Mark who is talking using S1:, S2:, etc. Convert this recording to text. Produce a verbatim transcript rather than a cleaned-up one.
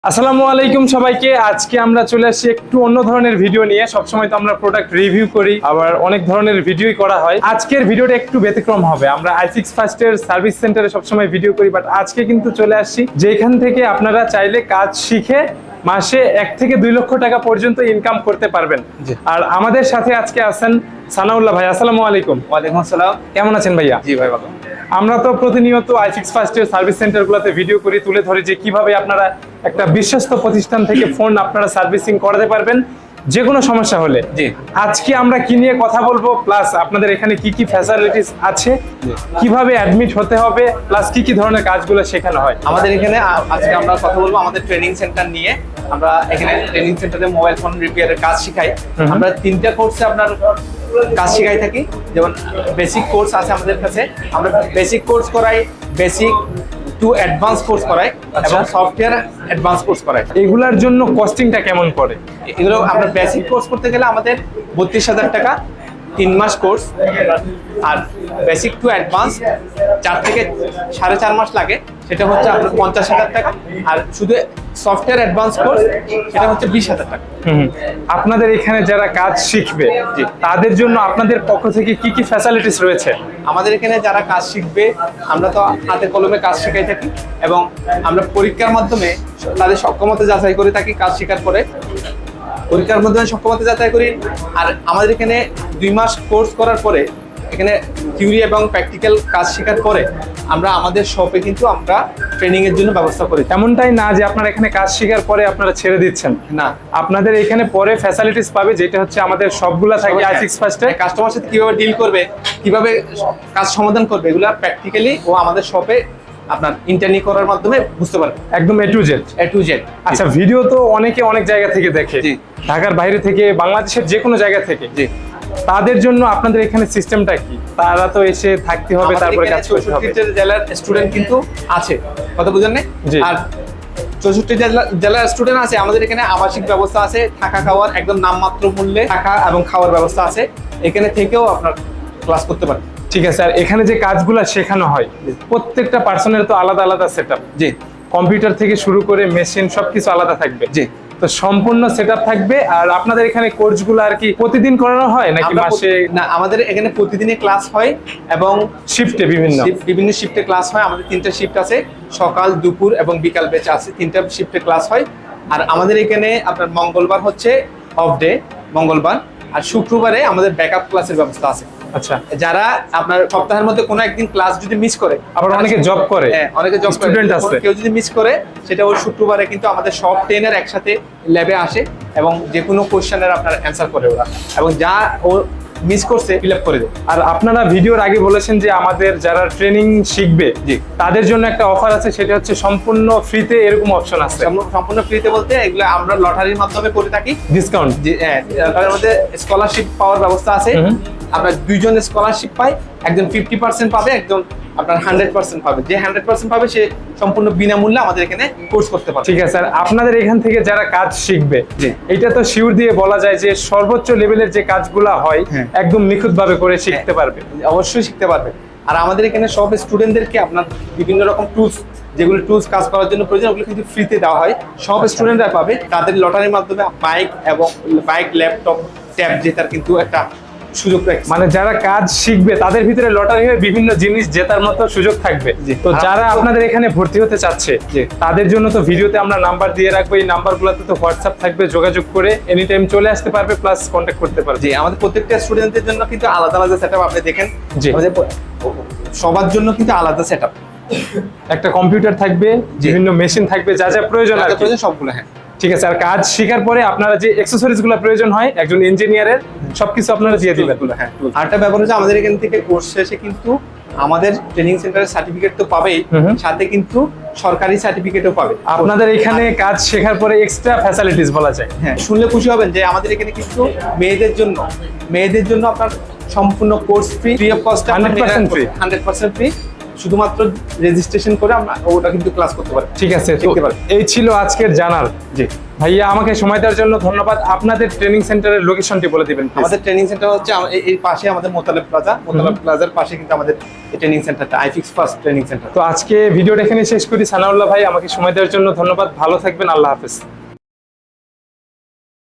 S1: আসসালামু আলাইকুম সবাইকে। আজকে আমরা চলে আসছি একটু অন্য ধরনের ভিডিও নিয়ে। সবসময় তো আমরা প্রোডাক্ট রিভিউ করি, আবার অনেক ধরনের ভিডিওই করা হয়। আজকের ভিডিওটা একটু ব্যতিক্রম হবে। আমরা আই সিক্স ফার্স্টের সার্ভিস সেন্টারে সবসময় ভিডিও করি, বাট আজকে কিন্তু চলে আসছি যেখান থেকে আপনারা চাইলে কাজ শিখে মাসে এক থেকে দুই লক্ষ টাকা পর্যন্ত ইনকাম করতে পারবেন। আর আমাদের সাথে আজকে আছেন সানাউল্লাহ ভাই। আসসালামু আলাইকুম।
S2: ওয়ালাইকুম আসসালাম।
S1: কেমন আছেন ভাইয়া?
S2: জি ভাই ভালো।
S1: আমরা তো প্রতিনিয়ত আই সিক্স ফার্স্টের সার্ভিস সেন্টারগুলোতে ভিডিও করি, তুলে ধরি যে কিভাবে আপনারা একটা বিশ্বস্ত প্রতিষ্ঠান থেকে ফোন আপনারা সার্ভিসিং করাতে পারবেন যে কোনো সমস্যা হলে।
S2: জি।
S1: আজকে আমরা কি নিয়ে কথা বলবো, প্লাস আপনাদের এখানে কি কি ফ্যাসিলিটিস আছে, কিভাবে অ্যাডমিট হতে হবে, প্লাস কি কি ধরনের কাজগুলো শেখানো হয়।
S2: আমাদের এখানে আ- আজকে আমরা কথা বলবো আমাদের ট্রেনিং সেন্টার নিয়ে। আমরা এখানে ট্রেনিং সেন্টারে মোবাইল ফোন রিপেয়ারের কাজ শিখাই। আমরা তিনটা কোর্সে আপনার কাজ শিখাই থাকি। যেমন বেসিক কোর্স আছে আমাদের কাছে, আমরা বেসিক কোর্স করাই, বেসিক টু অ্যাডভান্স কোর্স করাই এবং সফটওয়্যার অ্যাডভান্স কোর্স করাই।
S1: এগুলার জন্য কস্টিংটা কেমন পড়ে?
S2: এগুলো আমরা বেসিক কোর্স করতে গেলে আমাদের বত্রিশ হাজার টাকা তিন মাস কোর্স, আর বেসিক টু অ্যাডভান্স চার থেকে সাড়ে চার মাস লাগে, সেটা হচ্ছে আপনার পঞ্চাশ হাজার টাকা। আর শুধু সফটওয়্যার অ্যাডভান্স কোর্স সেটা হচ্ছে বিশ হাজার টাকা।
S1: হুম, আপনাদের এখানে যারা কাজ শিখবে
S2: জি।
S1: তাদের জন্য আপনাদের পক্ষ থেকে কি কি ফ্যাসিলিটিস রয়েছে?
S2: আমাদের এখানে যারা কাজ শিখবে আমরা তো হাতে কলমে কাজ শেখাই থাকি এবং আমরা পরীক্ষার মাধ্যমে তাদের সক্ষমতা যাচাই করে থাকি। কাজ শেখার পরে পরীক্ষার মাধ্যমে সক্ষমতা যাচাই করি। আর আমাদের এখানে দুই মাস কোর্স করার পরে এখানে থিওরি এবং প্র্যাকটিক্যাল কাজ শেখার পরে আমরা আমাদের শপে কিন্তু আমরা ট্রেনিং এর জন্য ব্যবস্থা করি।
S1: এমনটাই না যে আপনারা এখানে কাজ শেখার পরে আপনারা ছেড়ে দিচ্ছেন,
S2: না,
S1: আপনাদের এখানে পরে ফ্যাসিলিটিস পাবে, যেটা হচ্ছে আমাদের সবগুলা থাকে আই সিক্স ফার্স্টে।
S2: কাস্টমার সাথে কিভাবে ডিল করবে, কিভাবে কাজ সমাধান করবে, এগুলো প্র্যাকটিক্যালি ও আমাদের শপে আপনার ইন্টারনি করার মাধ্যমে বুঝতে পারবে
S1: একদম A to Z.
S2: A to Z.
S1: আচ্ছা, ভিডিও তো অনেকে অনেক জায়গা থেকে দেখে,
S2: জি।
S1: ঢাকার বাইরে থেকে, বাংলাদেশের যে কোনো জায়গা থেকে।
S2: জি।
S1: তাদের জন্য আপনাদের এখানে সিস্টেমটা কি? তারা তো এসে থাকতে হবে, তারপরে কাজ করতে হবে।
S2: চৌষট্টি জেলার স্টুডেন্ট কিন্তু আছে, কথা বুঝেন না?
S1: জি।
S2: আর চৌষট্টি জেলা জেলার স্টুডেন্ট আছে। আমাদের এখানে আবাসিক ব্যবস্থা আছে, থাকা খাওয়ার একদম নামমাত্র মূল্যে থাকা এবং খাওয়ার ব্যবস্থা আছে। এখানে থেকেও আপনার ক্লাস করতে পারেন।
S1: ঠিক আছে। আর এখানে যে কাজগুলো শেখানো হয় প্রত্যেকটা পার্সনের তো আলাদা আলাদা সেটআপ।
S2: জি।
S1: কম্পিউটার থেকে শুরু করে মেশিন সবকিছু আলাদা থাকবে।
S2: জি।
S1: তো সম্পূর্ণ সেটআপ থাকবে। আর আপনাদের এখানে কোর্সগুলো আর কি প্রতিদিন করানো হয় নাকি
S2: আমরা
S1: মাসে?
S2: প্রতি- না, আমাদের এখানে প্রতিদিনই ক্লাস হয় এবং
S1: শিফটে বিভিন্ন
S2: শিফট- বিভিন্ন শিফটে ক্লাস হয়। আমাদের তিনটা শিফট আছে, সকাল, দুপুর এবং বিকাল ব্যাচ আছে। তিনটা শিফটে ক্লাস হয়। আর আমাদের এখানে আপনার মঙ্গলবার হচ্ছে অফ ডে, মঙ্গলবার। আর শুক্রবারে আমাদের ব্যাকআপ ক্লাসের ব্যবস্থা আছে।
S1: আচ্ছা।
S2: যারা আপনার সপ্তাহের মধ্যে কোনো একদিন ক্লাস যদি মিস করে,
S1: আবার অনেকে জব করে।
S2: হ্যাঁ, অনেকে জব
S1: স্টুডেন্ট আছে।
S2: কেউ যদি মিস করে, সেটা ওই শুক্রবারে কিন্তু আমাদের সব ট্রেনার একসাথে ল্যাবে আসে এবং যে কোনো কোশ্চেনের আপনার অ্যান্সার করে ওরা, এবং যা ও মিস করছে ফিল আপ করে দেয়।
S1: আর আপনারা ভিডিওর আগে বলেছেন যে আমাদের যারা ট্রেনিং শিখবে
S2: জি।
S1: তাদের জন্য একটা অফার আছে, সেটা হচ্ছে সম্পূর্ণ ফ্রিতে, এরকম অপশন আছে।
S2: সম্পূর্ণ- সম্পূর্ণ ফ্রিতে বলতে এগুলো আমরা লটারির মাধ্যমে করে থাকি।
S1: ডিসকাউন্ট।
S2: যে হ্যাঁ, লটারির মধ্যে স্কলারশিপ পাওয়ার ব্যবস্থা আছে।
S1: হুম।
S2: আমরা দুইজন স্কলারশিপ পাই, একজন ফিফটি পার্সেন্ট পাবে, একজন আপনার হান্ড্রেড পার্সেন্ট পাবে। যে হান্ড্রেড পার্সেন্ট পাবে সে সম্পূর্ণ বিনামূল্যে আমাদের এখানে কোর্স করতে পারবে।
S1: ঠিক আছে। আর আপনাদের এখান থেকে যারা কাজ শিখবে,
S2: জি।
S1: এটা তো শিওর দিয়ে বলা যায় যে সর্বোচ্চ লেভেলের যে কাজগুলা হয়
S2: হ্যাঁ।
S1: একদম নিখুঁত ভাবে করে শিখতে পারবে।
S2: অবশ্যই শিখতে পারবে। আর আমাদের এখানে সব স্টুডেন্টদেরকে আপনার বিভিন্ন রকম টুলস, যেগুলো টুলস কাজ করার জন্য প্রয়োজন, ওগুলো কিন্তু ফ্রিতে দেওয়া হয়। সব স্টুডেন্টরা পাবে। তাদের লটারির মাধ্যমে বাইক এবং বাইক, ল্যাপটপ, ট্যাব জেতার কিন্তু একটা সুযোগ রাখছে।
S1: মানে যারা কাজ শিখবে তাদের ভিতরে লটারি হয়ে বিভিন্ন জিনিস জেতার মতো সুযোগ থাকবে।
S2: জি।
S1: তো যারা আপনাদের এখানে ভর্তি হতে চাচ্ছে
S2: জি।
S1: তাদের জন্য তো ভিডিওতে আমরা নাম্বার দিয়ে রাখবো। এই নাম্বারগুলোতে তো হোয়াটসঅ্যাপ থাকবে, যোগাযোগ করে এনি টাইম চলে আসতে পারবে, প্লাস কন্ট্যাক্ট করতে পারবে।
S2: জি, আমাদের প্রত্যেকটা স্টুডেন্টদের জন্য কিন্তু আলাদা আলাদা সেটআপ আপনি দেখেন।
S1: জি।
S2: আমাদের প- সবার জন্য কিন্তু আলাদা সেটআপ।
S1: একটা কম্পিউটার থাকবে,
S2: জি।
S1: বিভিন্ন মেশিন থাকবে, যা যা প্রয়োজন আর কি।
S2: প্রয়োজন সবগুলো। হ্যাঁ,
S1: ঠিক আছে। আর কাজ শেখার পরে আপনারা যে অ্যাকসেসরিজ গুলো প্রয়োজন হয় একজন ইঞ্জিনিয়ারের, সবকিছু আপনারা দিয়ে দিবেন।
S2: হ্যাঁ। আরেকটা ব্যাপার হচ্ছে আমাদের এখান থেকে কোর্স শেষে কিন্তু আমাদের ট্রেনিং সেন্টারের সার্টিফিকেট তো পাবেই,
S1: হুম হুম।
S2: সাথে কিন্তু সরকারি সার্টিফিকেটও পাবে।
S1: আপনাদের এখানে কাজ শেখার পরে এক্সট্রা ফ্যাসিলিটিস বলা যায়।
S2: হ্যাঁ, শুনলে খুশি হবেন যে আমাদের এখানে কিন্তু মেয়েদের জন্য মেয়েদের জন্য আপনার সম্পূর্ণ course free, free of cost,
S1: hundred percent free.
S2: Hundred percent free. শুধুমাত্র রেজিস্ট্রেশন করে আমরা ওটা কিন্তু ক্লাস করতে পারি।
S1: ঠিক আছে, তো
S2: শিখতে পারি।
S1: এই ছিল আজকের জানার।
S2: জি,
S1: ভাইয়া আমাকে সময় দেওয়ার জন্য ধন্যবাদ। আপনাদের ট্রেনিং সেন্টারের লোকেশনটি বলে দিবেন please।
S2: আমাদের ট্রেনিং সেন্টার হচ্ছে আম- এই- এই পাশে আমাদের মোতালেব প্লাজা, মোতালেব প্লাজার পাশে কিন্তু আমাদের ট্রেনিং সেন্টারটা আইফিক্স ফার্স্ট ট্রেনিং সেন্টার।
S1: তো আজকে ভিডিওটা এখানে শেষ করি। সানাউল্লাহ ভাই আমাকে সময় দেওয়ার জন্য ধন্যবাদ। ভালো থাকবেন, আল্লাহ হাফেজ।